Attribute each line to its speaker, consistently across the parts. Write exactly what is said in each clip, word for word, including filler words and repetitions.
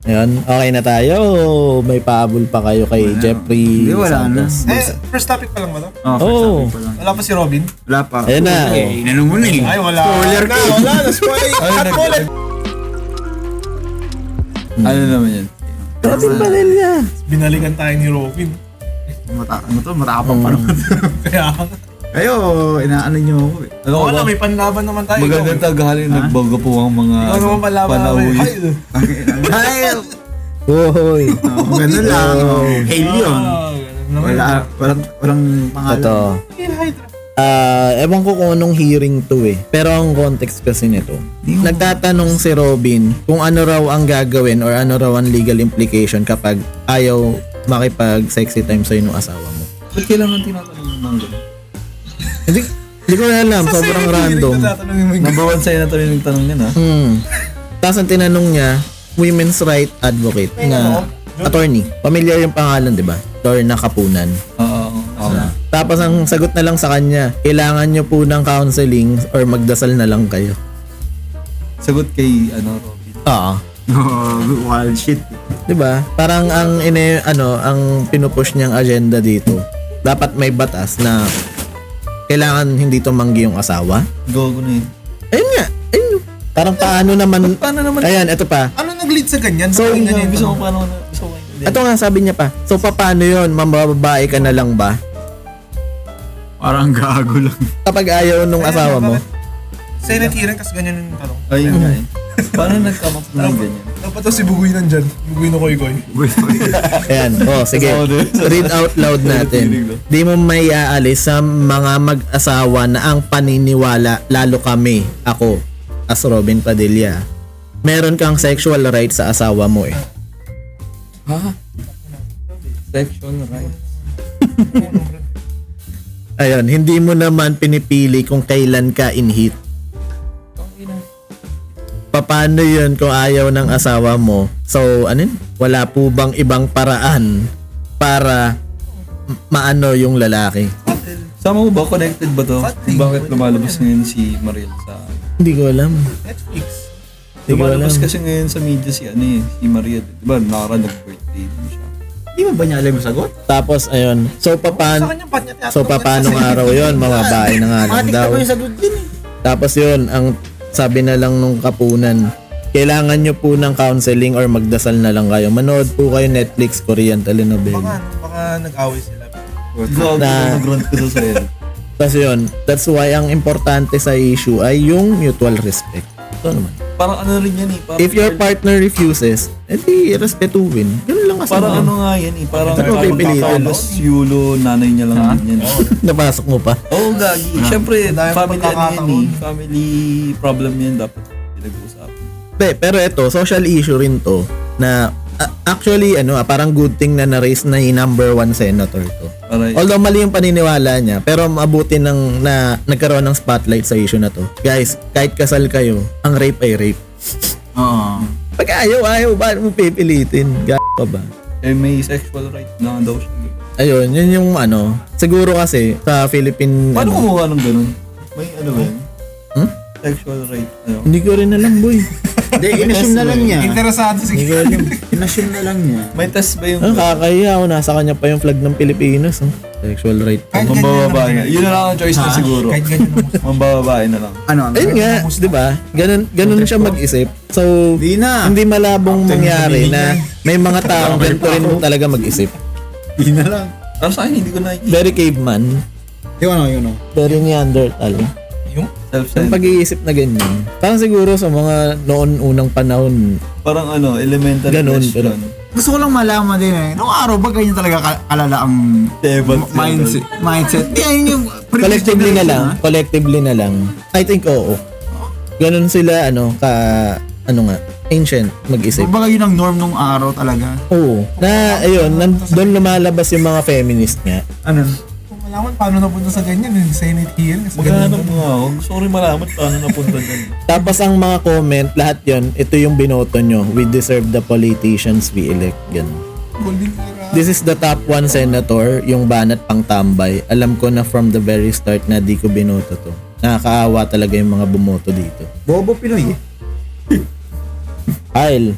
Speaker 1: Ayan, okay na tayo. May paabol pa kayo kay
Speaker 2: Wala.
Speaker 1: Jeffrey
Speaker 2: Hindi, wala na.
Speaker 1: Santos.
Speaker 3: Eh, first topic pa lang ba to?
Speaker 2: Oh, first
Speaker 1: Oo.
Speaker 2: topic pa lang.
Speaker 3: Wala pa si Robin?
Speaker 2: Wala pa.
Speaker 1: Ayan na.
Speaker 2: Eh, inanong mo na eh.
Speaker 3: Ay, wala.
Speaker 2: Spoiler
Speaker 3: na,
Speaker 2: ka.
Speaker 3: wala na. Spoiler. At bullet.
Speaker 2: Ano naman yan?
Speaker 1: Robin Padilla.
Speaker 3: Binalikan tayo ni Robin.
Speaker 2: Mata ano to? Matapang pa naman.
Speaker 3: Kaya,
Speaker 2: Kayo, inaano nyo ako eh.
Speaker 4: Ano
Speaker 3: wala, may panlaban naman tayo.
Speaker 4: Magandang
Speaker 3: Ikaw, eh.
Speaker 4: taghali, nagbago po ang mga
Speaker 3: Ikaw naman panlaban namin.
Speaker 4: panawid.
Speaker 3: Ay,
Speaker 2: Ay,
Speaker 1: Uy.
Speaker 2: oh, ganun lang. Oh. Hail yun.
Speaker 3: ah, ganun naman.
Speaker 2: Wala, walang, walang pangalan.
Speaker 1: Ito.
Speaker 3: Hail Hydra.
Speaker 1: Ah, ewan ko kung anong hearing to eh. Pero ang context kasi nito, nagtatanong si Robin kung ano raw ang gagawin or ano raw ang legal implication kapag ayaw makipag sexy time sa ng asawa mo.
Speaker 4: Ba't kailangan tinatanong ng mga ganun?
Speaker 1: Hindi, hindi ko na alam.
Speaker 3: Sa
Speaker 1: Sobrang
Speaker 3: Senate
Speaker 1: random.
Speaker 3: hearing, tatanungin mo yung-
Speaker 4: Number one sa'yo na ito yung tanong yan ha.
Speaker 1: Hmm. Tapos ang tinanong niya, women's right advocate na attorney. Pamilyar yung pangalan, di ba? Lorna Kapunan.
Speaker 4: Oo. oo.
Speaker 1: Tapos ang sagot na lang sa kanya, kailangan nyo po ng counseling or magdasal na lang kayo.
Speaker 4: Sagot kay ano, Robin.
Speaker 1: Oo.
Speaker 2: Oh, wild shit.
Speaker 1: 'Di ba? Parang ang ine ano, ang pinupush niyang agenda dito. Dapat may batas na kailangan hindi tumanggi yung asawa.
Speaker 4: Gogo na yun.
Speaker 1: Ayun nga. Ayun. Parang paano naman
Speaker 4: Paano naman?
Speaker 1: Ayan, ito pa.
Speaker 3: Ano nag-lead sa ganyan?
Speaker 1: So,
Speaker 3: Bakit
Speaker 4: Ayun nga,
Speaker 3: ganyan
Speaker 4: gusto
Speaker 3: ito?
Speaker 4: ko paano na, gusto ko hindi.
Speaker 1: Ito nga sabi niya pa. So paano 'yon? Mambababae ka na lang ba?
Speaker 2: Parang gago lang.
Speaker 1: Kapag ayaw nung
Speaker 3: Ayan,
Speaker 1: asawa mo.
Speaker 3: bakit? Senate hearing, kasi ganyan yung tanong.
Speaker 4: Ayun nga eh. Paano nag-come up na ng ganyan?
Speaker 3: Dapat daw si Bugoy nandyan. Bugoy na koy-koy.
Speaker 1: Ayan. Oh, sige. Read out loud natin. Di mo may aalis sa mga mag-asawa na ang paniniwala, lalo kami, ako, as Robin Padilla. Meron kang sexual right sa asawa mo eh.
Speaker 4: Ha? Sexual right.
Speaker 1: Ayun, hindi mo naman pinipili kung kailan ka in heat. Paano yun kung ayaw ng asawa mo? So, ano yun? Wala po bang ibang paraan para m- maano yung lalaki?
Speaker 4: Sama mo ba? Connected ba to?
Speaker 3: Fatig.
Speaker 4: Bakit lumalabas ngayon si Mariel sa...
Speaker 1: Hindi ko alam.
Speaker 3: Netflix.
Speaker 1: Hindi ko alam.
Speaker 4: Lumalabas kasi ngayon sa media si ano eh, si Mariel. Diba, nakaraan nag-birthday din siya.
Speaker 2: Di ba ba niya alam yung sagot?
Speaker 1: Tapos, ayun. So,
Speaker 3: Sa
Speaker 1: papan
Speaker 3: kanya, ba't niya
Speaker 1: so,
Speaker 3: tinatanong
Speaker 1: paano
Speaker 3: yan?
Speaker 1: nga araw yun? Mamabae na nga lang
Speaker 2: Matik
Speaker 1: daw.
Speaker 2: pa yung sagot din eh.
Speaker 1: Tapos yun, ang sabi na lang nung kapunan, kailangan nyo po ng counseling or magdasal na lang kayo. Manood po kayo Netflix, Korean
Speaker 3: Baka,
Speaker 1: telenovela.
Speaker 3: ano, baka nag-away sila.
Speaker 4: Gago
Speaker 1: Na-
Speaker 4: na nag-rant ko sa sayo.
Speaker 1: Tapos yun, that's why ang importante sa issue ay yung mutual respect. Ito naman.
Speaker 4: Parang ano rin yan eh. Parang,
Speaker 1: If your partner refuses, edi respetuhin. Ganun lang kasi.
Speaker 4: Parang ano nga yan eh. Parang
Speaker 1: Ano ba pipilitin?
Speaker 4: Carlos Yulo, nanay niya lang din yan.
Speaker 1: Napasok mo pa.
Speaker 4: Oo, oh, gagi. Siyempre,
Speaker 3: Dahil
Speaker 4: family ano yan
Speaker 3: pagkakataon.
Speaker 4: eh. Family problem yan dapat pinag-uusapan.
Speaker 1: Be, pero ito, social issue rin to na uh, actually ano, ah, parang good thing na na-raise na yung number one senator to.
Speaker 4: Para,
Speaker 1: Although mali yung paniniwala niya, pero mabuti ng na nagkaroon ng spotlight sa issue na to. Guys, kahit kasal kayo, ang rape ay rape.
Speaker 2: Oo.
Speaker 1: Pag ayaw, ayaw, ba mo pipilitin? G*** pa ba?
Speaker 4: eh, may sexual right na daw siya.
Speaker 1: Ayun, yun yung ano. Siguro kasi sa Philippine...
Speaker 4: Paano
Speaker 1: ano,
Speaker 4: kumuha ng ganun? May ano ba yun?
Speaker 1: Hmm?
Speaker 4: Sexual right. Ano?
Speaker 1: Hindi ko rin alam, boy.
Speaker 2: Hindi, inassume na lang niya.
Speaker 3: Interesado si
Speaker 1: Hindi ko alam.
Speaker 2: Inassume na lang niya.
Speaker 4: May test ba yung...
Speaker 1: Ang kakahiya ako, nasa kanya pa yung flag ng Pilipinas. Oh. Sexual right.
Speaker 3: Kahit ganyan
Speaker 4: Mambababae na.
Speaker 3: naman.
Speaker 4: Yun na lang ang choice na siguro.
Speaker 3: Kahit ganyan naman.
Speaker 4: Mambababae na lang.
Speaker 2: Ano? ano?
Speaker 1: Ayun nga, di ba? Ganun, ganun siya mag-isip. So,
Speaker 2: Di na.
Speaker 1: hindi malabong mangyari na may mga taong ganito rin talaga mag-isip.
Speaker 2: Di na lang.
Speaker 4: Pero sa akin, hindi ko nakikita.
Speaker 1: Very caveman.
Speaker 2: Yung ano, yun ano.
Speaker 1: Very Neanderthal.
Speaker 3: Yung?
Speaker 1: Yung
Speaker 4: Self-centered.
Speaker 1: pag-iisip na ganyan. Parang siguro sa mga noon unang panahon,
Speaker 4: Parang ano, elementary
Speaker 1: Ganun,
Speaker 4: question.
Speaker 2: Gusto ko lang malaman din eh. Noong araw ba ganyan talaga ka- kalala ang
Speaker 4: Diba?
Speaker 2: m- mindset? Mindset. Di, ayun yung previous
Speaker 1: collectively na
Speaker 2: generation,
Speaker 1: lang,
Speaker 2: ha?
Speaker 1: collectively na lang. I think oo. Ganun sila ano ka ano nga, ancient mag-isip.
Speaker 2: Kumbaga yun ang norm nung araw talaga.
Speaker 1: Oo. Na ayun, nan, doon lumalabas yung mga feminist nga.
Speaker 2: Ano?
Speaker 3: Kung malaman paano napunta sa ganyan, yung Senate hearing. Kasi
Speaker 4: Maghanap
Speaker 3: ganyan.
Speaker 4: mo nga ako. Gusto ko rin malaman paano napunta dyan.
Speaker 1: Tapos ang mga comment, lahat yon ito yung binoto nyo. We deserve the politicians we elect. Ganun.
Speaker 3: Golden era.
Speaker 1: This is the top one senator, yung banat pang tambay. Alam ko na from the very start na di ko binoto to. Nakakaawa talaga yung mga bumoto dito.
Speaker 2: Bobo Pinoy eh.
Speaker 1: Kyle,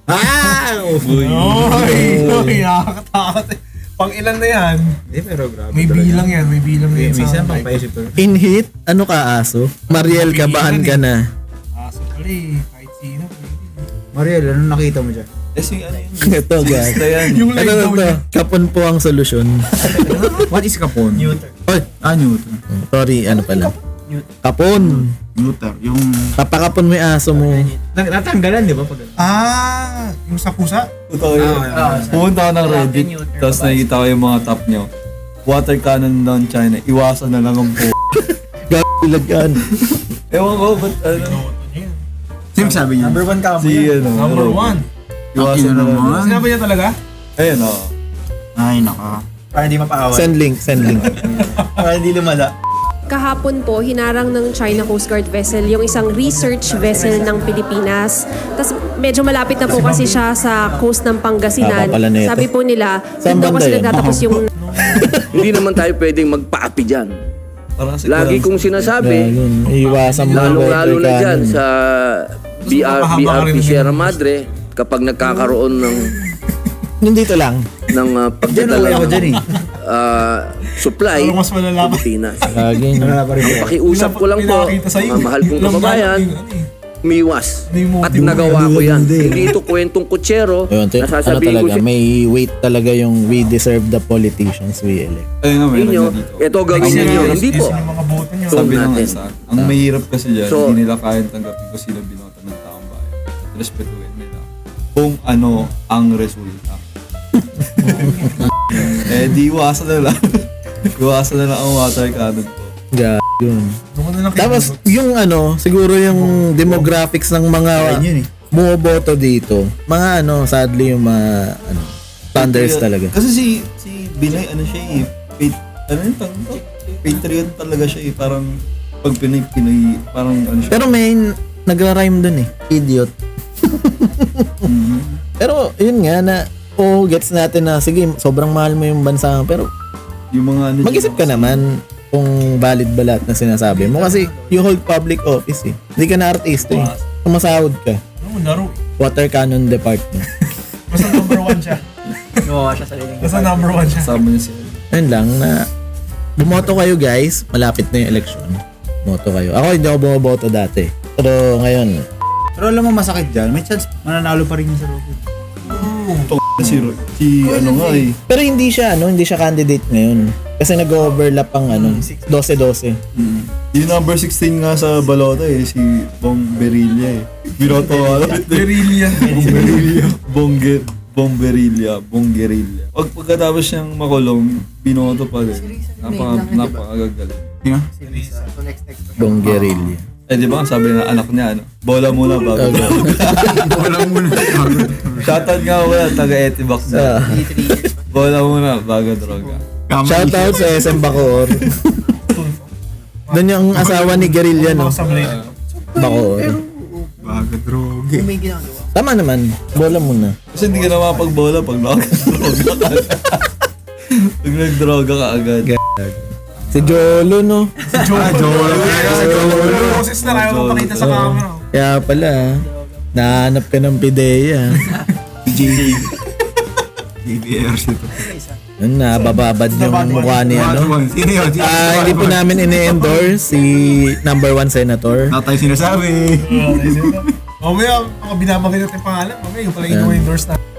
Speaker 1: Ah!
Speaker 4: Uy.
Speaker 3: Oy, oy, nakakatakot eh. Pang ilan na yan?
Speaker 2: Hindi, pero grabe.
Speaker 3: May
Speaker 2: talaga.
Speaker 3: bilang yan, may bilang na yan.
Speaker 2: Minsan,
Speaker 3: sa
Speaker 2: pang paisip to.
Speaker 1: In hit, ano ka aso? Mariel, kabahan ka na.
Speaker 3: Aso pala eh, kahit sino.
Speaker 2: Mariel, ano nakita mo dyan?
Speaker 4: Eh, si ano yun?
Speaker 1: Ito guys.
Speaker 4: Basta yan.
Speaker 3: Yung
Speaker 1: Ano
Speaker 3: live
Speaker 1: na
Speaker 3: daw
Speaker 1: to?
Speaker 3: niya.
Speaker 1: Kapon po ang solusyon.
Speaker 2: What is kapon?
Speaker 4: Neuter.
Speaker 1: Oy,
Speaker 2: Ah, neuter.
Speaker 1: sorry, ano pala? Kapon.
Speaker 2: Neuter. Yung...
Speaker 1: Papakapon mo yung aso mo.
Speaker 2: Natanggalan, di ba? Pag...
Speaker 3: Ah, yung sa pusa?
Speaker 4: Puta ko yun.
Speaker 2: Ah,
Speaker 4: Pumunta ako ng Reddit, tapos nakikita ko yung mga top nyo. Water cannon down China, iwasan na lang ang po.
Speaker 1: Gagalagan.
Speaker 4: Ewan ko, ba't ano?
Speaker 2: Sino sabi niya? Number one ka
Speaker 4: Si ano,
Speaker 3: Number
Speaker 4: Robin.
Speaker 3: one.
Speaker 4: Iwasan na lang.
Speaker 2: naman.
Speaker 3: Sinabi niya talaga?
Speaker 4: Ayun o.
Speaker 2: Ay, naka. Para hindi mapaaway.
Speaker 1: Send link, send link.
Speaker 2: Para hindi lumala.
Speaker 5: Kahapon po, hinarang ng China Coast Guard vessel yung isang research vessel ng Pilipinas. Tapos medyo malapit na po kasi siya sa coast ng Pangasinan.
Speaker 1: Tama pala nito.
Speaker 5: Sabi po nila,
Speaker 1: Saan
Speaker 5: doon daw
Speaker 1: banda
Speaker 5: kasi
Speaker 1: yun?
Speaker 5: nagtatapos yung
Speaker 6: Hindi naman tayo pwedeng magpaapi dyan.
Speaker 4: Parang kasi
Speaker 6: Lagi
Speaker 4: parang-
Speaker 6: kong sinasabi,
Speaker 1: Yun, iiwasan mo ang
Speaker 6: lalong-lalo na
Speaker 1: water
Speaker 6: dyan
Speaker 1: cannon.
Speaker 6: sa B R,
Speaker 3: Mas
Speaker 6: B
Speaker 3: mapahaba
Speaker 6: R
Speaker 3: ka
Speaker 6: P
Speaker 3: rin
Speaker 6: Sierra
Speaker 3: ng-
Speaker 6: Madre, kapag nagkakaroon ng
Speaker 1: Yung dito lang.
Speaker 6: ng uh,
Speaker 2: Diyan
Speaker 6: pagdadala
Speaker 2: ako
Speaker 6: ng
Speaker 2: dyan eh.
Speaker 6: uh, supply
Speaker 3: Pero mas malala pa.
Speaker 6: Pilipinas.
Speaker 1: Lagi, no?
Speaker 2: Wala pa rin.
Speaker 6: Ang pakiusap ko lang po,
Speaker 3: Pinakita sa'yo,
Speaker 6: mga mahal kong
Speaker 3: lamang
Speaker 6: kababayan,
Speaker 3: yung ano eh.
Speaker 6: miwas.
Speaker 3: Hindi mo-
Speaker 6: At
Speaker 3: hindi mo-
Speaker 6: nagawa ko
Speaker 1: hindi,
Speaker 6: yan.
Speaker 1: hindi.
Speaker 6: Hindi ito kwentong kutsero.
Speaker 1: Yun, t- ano
Speaker 6: Nasasabihin ko
Speaker 1: talaga,
Speaker 6: siya.
Speaker 1: may weight talaga yung we deserve the politicians we elect.
Speaker 4: Ayun nga, meron
Speaker 6: Ninyo,
Speaker 4: na dito.
Speaker 6: ito gawin
Speaker 3: Kasi
Speaker 6: ninyo.
Speaker 3: yun,
Speaker 6: Hindi
Speaker 3: yun
Speaker 6: po.
Speaker 3: yung mga boto nyo.
Speaker 6: So,
Speaker 4: Sabi ng
Speaker 6: natin.
Speaker 4: isa, ang mahirap kasi dyan,
Speaker 6: So-
Speaker 4: hindi nila kayang tanggapin kung sino binoto ng taong bayan. At respetuhin nila kung ano ang resulta. eh, di iwasan na lang. Iwasan na lang ang water cannon po.
Speaker 1: Gag, yun.
Speaker 3: Doon ko na lang
Speaker 1: Tapos, yung ano, siguro yung demographics ng mga
Speaker 2: Ayun yun eh.
Speaker 1: bumoboto dito, mga ano, sadly yung mga, ano, thunders
Speaker 4: Patriot.
Speaker 1: talaga.
Speaker 4: Kasi si si Binay, ano siya eh, pat, ano yung tawag to? Patriot talaga siya eh, parang pag Pinay, Pinay, parang ano siya.
Speaker 1: Pero may nagra-rhyme dun eh, idiot.
Speaker 4: Mhm.
Speaker 1: Pero, yun nga na, oh, gets natin na, sige, sobrang mahal mo yung bansa, pero
Speaker 4: Yung mga ano
Speaker 1: mag-isip ka naman kung valid ba lahat na sinasabi mo. Kasi you hold public office eh. Hindi ka na artista eh. Sumasahod ka.
Speaker 3: Ano, laro.
Speaker 1: Water Cannon Department.
Speaker 3: Basta number one siya.
Speaker 2: Gumawa siya sa liling.
Speaker 3: Basta number one siya.
Speaker 4: Kasama niya siya.
Speaker 1: Ayun lang na bumoto kayo guys. Malapit na yung election. Bumoto kayo. Ako hindi ako bumoboto dati. Pero ngayon,
Speaker 2: Pero alam mo masakit dyan, may chance mananalo pa rin yung sa Robin.
Speaker 4: Si, si ano nga eh.
Speaker 1: pero hindi siya ano, hindi siya candidate ngayon. Kasi nag-overlap ang ano, twelve twelve.
Speaker 4: Mm. Yung number sixteen nga sa balota eh, si Bong Berilla eh. Binoto ano?
Speaker 3: Guerrilla.
Speaker 4: Bomberilla. Bongge, Bomberilla. Bonggerilla. Pag pagkatapos niyang makulong, binoto pa din. Napaka, napakagagaling.
Speaker 2: Sino?
Speaker 1: Bong guerrilla.
Speaker 4: Eh di ba, sabi ng anak niya, ano, bola muna bago.
Speaker 1: Okay.
Speaker 2: Wala muna.
Speaker 4: Shoutout nga wala, taga-Etibac
Speaker 1: Ah,
Speaker 4: na. Bola muna bago droga.
Speaker 1: shoutout sa S M Bacoor. Doon yung asawa ni Guerrilla, no?
Speaker 3: Sa blade.
Speaker 1: Bacoor.
Speaker 2: Baga droge.
Speaker 1: Tama naman. Bola muna.
Speaker 4: Kasi hindi ka na makapag-bola pag nakakadroga ka. Pag nagdroga ka agad.
Speaker 1: Si Jolo, no?
Speaker 3: Ah, Joel. Joel. Boses na kaya mapakita sa camera.
Speaker 1: Kaya pala, nahanap ka ng pideya.
Speaker 2: J D. J D R C to.
Speaker 1: Yun na, bababad yung mukha ni ano.
Speaker 2: Sino yun? Sino
Speaker 1: Ah, hindi po namin ini-endorse si number one senator.
Speaker 2: Na tayo sinasabi.
Speaker 3: Mamaya, ako binabagay natin yung pangalan. Mamaya, yung pala yung endorse na.